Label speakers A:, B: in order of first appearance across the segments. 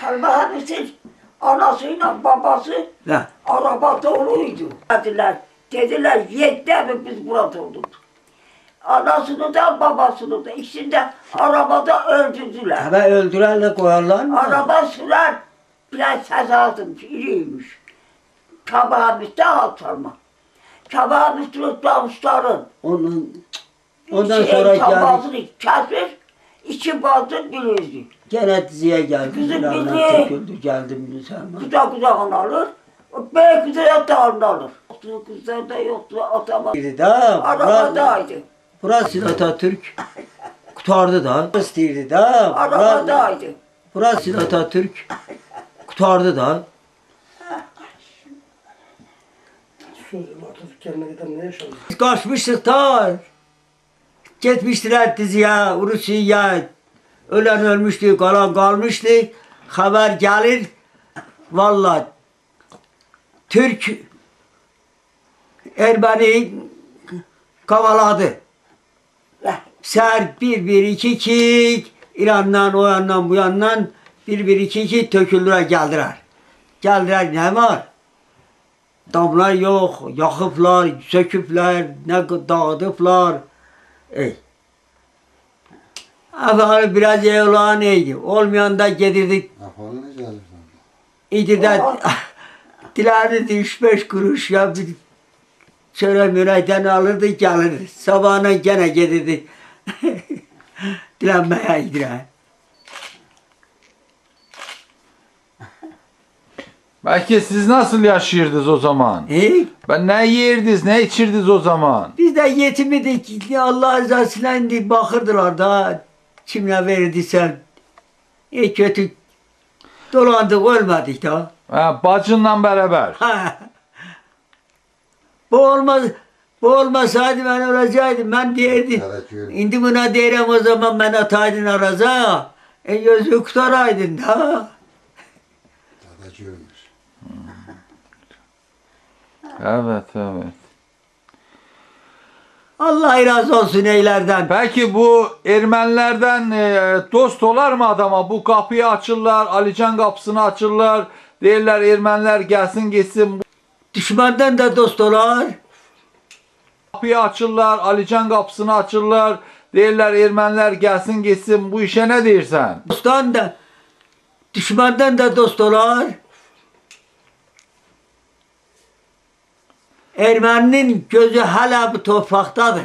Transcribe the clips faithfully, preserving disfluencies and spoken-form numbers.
A: Selmahan'ın anasıyla babası
B: Ne?
A: araba doluydu. Dediler, dediler yetti mi biz burada olduk. Anasını da babasını da ikisini de arabada öldürdüler.
B: Tabi öldürenle koyarlar mı?
A: Araba sürer biraz ses aldım, iriymiş. Kabağın üstü alçalma. Kabağın üstü davuşların.
B: Onun, ondan
A: şey,
B: sonra geldik.
A: Kabağını kesmiş, içi bazı bilirdi.
B: Gene diziye geldi.
A: Kızım
B: Bilal'den
A: bizi-
B: töküldü geldim Selma.
A: Kucak kucağına alır, bey kucağına da alır. Yoktu, kızlar da yoktu, atama.
B: İstiydi da.
A: Arabadaydı.
B: Burası Atatürk kurtardı da. İstiydi da.
A: Arabadaydı.
B: Burası Atatürk kurtardı da.
C: Atatürk kendine giden ne yaşadı?
B: Biz kaçmıştık da. Gitmiştiler diziye, Rusya'ya. Ölen ölmüştü, kalan kalmıştı. Haber gelir. Vallahi Türk Ermeni kavaladı. Ser bir bir iki iki İran'dan o yandan bu yandan bir bir iki iki töküldüler geldiler. Geldiler ne var? Damlar yok, yakıplar, söküpler, ne dağıdıplar. Ey. Efendim biraz iyi olan neydi? Olmayan da getirdik.
D: Afalı ne gelirsen.
B: İdi de dilerdi üç beş kuruş ya bir şöyle müreyden alırdı gelirdi. Sabahına gene getirdi. Dilenmeye gidiyor.
E: Belki siz nasıl yaşıyordunuz o zaman?
B: E,
E: Ben ne yerdiniz, ne içirdiniz o zaman?
B: biz de yetim idik. Allah rızasıyla indi bakırdılar da kimle verdiysen. E kötü dolandık ölmedik da.
E: Ha, bacınla beraber.
B: Ha. Bu olmaz. Bu olmasaydı ben olacaktım. Ben derdim.
D: Evet, yürü.
B: Şimdi buna derim o zaman ben ataydın araza. E gözü kutaraydın da.
D: Dadacıymış.
E: Evet, evet.
B: Allah razı olsun eylerden.
E: Peki bu Ermenilerden e, dost olar mı adama? Bu kapıyı açırlar, Alican kapısını açırlar. Derler Ermeniler gelsin gitsin.
B: Düşmandan da dost olar.
E: Kapıyı açırlar, Alican kapısını açırlar. Derler Ermeniler gelsin gitsin. Bu işe ne dersen?
B: Dosttan da düşmandan da dost olar. Ermeninin gözü hala bu topraktadır.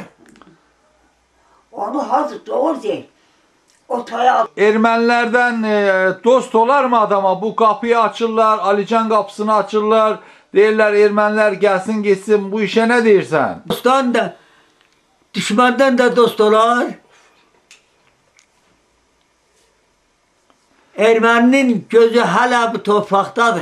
A: Onu hazır doğru değil. Otaya
E: Ermenilerden e, dost olar mı adama? Bu kapıyı açırlar, Alican kapısını açırlar. Derler Ermeniler gelsin gitsin. Bu işe ne dersen?
B: Dosttan da düşmandan da dost olar. Ermeninin gözü hala bu topraktadır.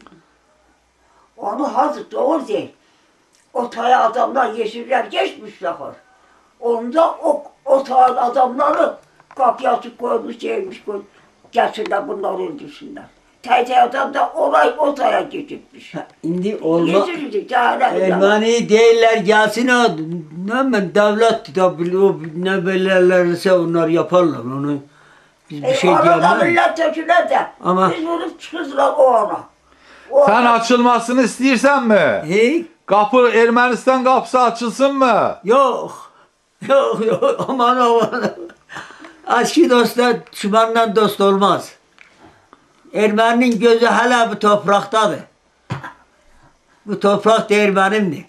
A: onu hazır doğru değil. Otaya adamlar yeşiller geçmişler. Onda o otağın adamları kapıyı açıp koymuş, şeymiş koymuş. Gelsinler bunları öldürsünler. Teyze adam da olay otaya geçirmiş.
B: Şimdi olma.
A: Geçirirdi cahil
B: Ermeni değiller gelsin o ne ben devlet de o ne belirlerse onlar yaparlar onu. Biz bir şey
A: Arada
B: diyemeyiz.
A: milletvekiller de
B: Ama-
A: biz vurup çıkızlar o ona. O
E: Sen
A: ona-
E: açılmasını istiyorsan mı?
B: Hey,
E: Kapı Ermenistan kapısı açılsın mı?
B: yok. Yok yok aman aman. Aşkı dostlar düşmandan dost olmaz. Ermeninin gözü hala bu topraktadır. Bu toprak da Ermenimdir.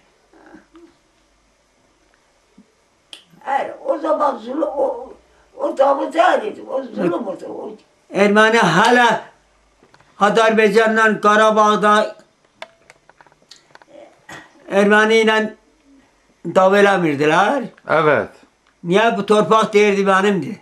A: Hayır, o zaman zulüm, o, o damı değildi, o zulüm o da. O,
B: Ermeni hala Azerbaycan'la Karabağ'da Ermeni ile davelamirdiler.
E: Evet.
B: Niye bu torpak değerdi benimdi?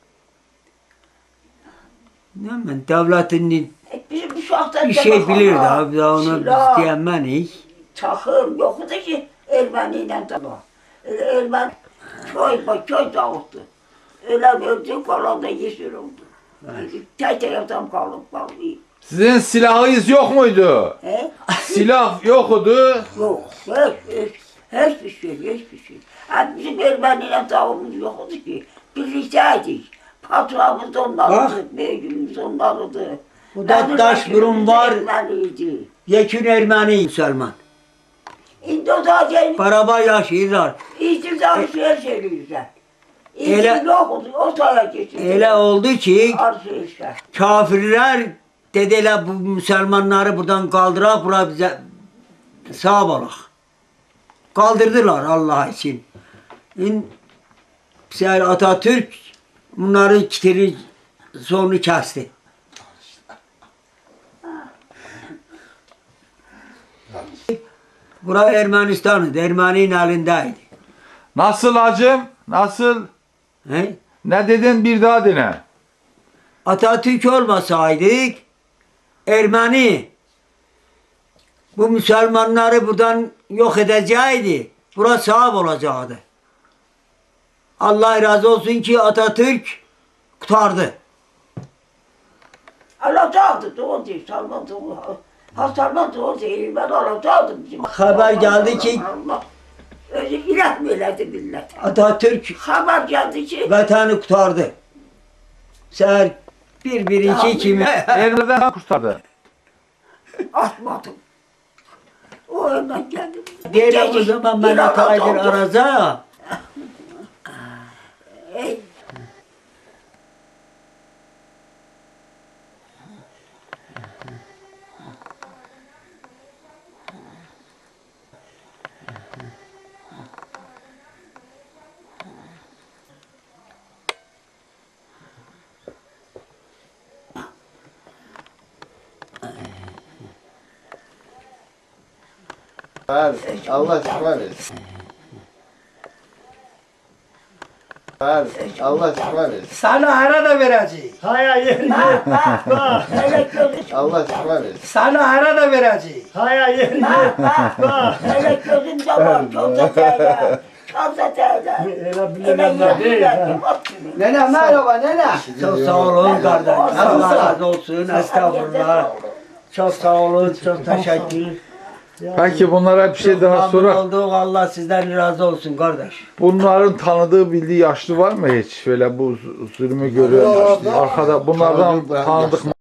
B: Ne ben devletin
A: e, bizim bu şahsen
B: bir şey bilirdi abi daha onu biz diyemeyiz.
A: Çakır yoktu ki Ermeniyle dava. Öyle Ermeni köy ba köy dağıttı. Öyle öldü, kalan da yeşil oldu. Tek tek adam kalıp kaldı.
E: Sizin silahınız yok muydu?
A: He?
E: Silah yoktu.
A: Yok, hiç, hiç, hiçbir şey, hiçbir şey. Yani bizim Ermeniyle davamız yoktu ki. Birlikteydik. Patronumuz onlardı, beyimiz onlardı.
B: Bu da
A: Benim
B: taş
A: vekilimiz
B: burun var.
A: Ermeniydi.
B: Yekün Ermeni Müslüman.
A: İndi o zaten
B: Beraber yaşıyorlar.
A: İktidar şey söylüyorlar.
B: Ele-
A: İktidar yok, o tarafa geçti.
B: Öyle oldu ki
A: Arşivler.
B: kafirler dediler bu Müslümanları buradan kaldırak, bura bize sağ olak. Kaldırdılar Allah için. İn, Seher Atatürk bunları kitiri sonunu kesti. Bura Ermenistan'dı, Ermeni'nin elindeydi.
E: Nasıl hacım? Nasıl?
B: He?
E: Ne dedin bir daha dene.
B: Atatürk olmasaydık Ermeni bu Müslümanları buradan yok edecekti. Burası sahip olacaktı. Allah razı olsun ki Atatürk kurtardı.
A: Alacaktı, doğru değil, Salman doğru. Ha Salman doğru değil, ben alacaktım. Bizim.
B: Haber geldi ki-
A: Allah, Özü ilah mı eledi millet?
B: Atatürk
A: Haber geldi ki,
B: vatanı kurtardı. Seher bir bir iki kimi
E: Ermenilerden kurtardı.
A: atmadım. O hemen geldi.
B: diyelim o zaman ben hataydır araza.
A: Ey,
C: Ver, Allah şifa versin. Ver, Allah şifa versin.
F: Sana ara da vereceğiz.
G: Hayır, yer yer.
A: bak, bak, hele gözü,
C: Allah şifa versin.
F: Sana ara da vereceğiz.
G: Hayır, yer yer.
A: bak, bak, hele gözümde var, çok da teyze, çok da teyze.
G: Öyle
A: Hele
G: bilinenler değil.
A: yemin
G: ha.
A: ettim,
F: Nene merhaba nene.
B: Çok sağ olun kardeş. Allah razı olsun. Estağfurullah. Çok sağ olun. Çok teşekkür.
E: Peki bunlara bir şey daha
B: Memnun
E: sorak.
B: olduk. Allah sizden razı olsun kardeş.
E: Bunların tanıdığı bildiği yaşlı var mı hiç? Şöyle bu zulmü görüyor. Arkada bunlardan
C: Tanıdık,
E: tanıdık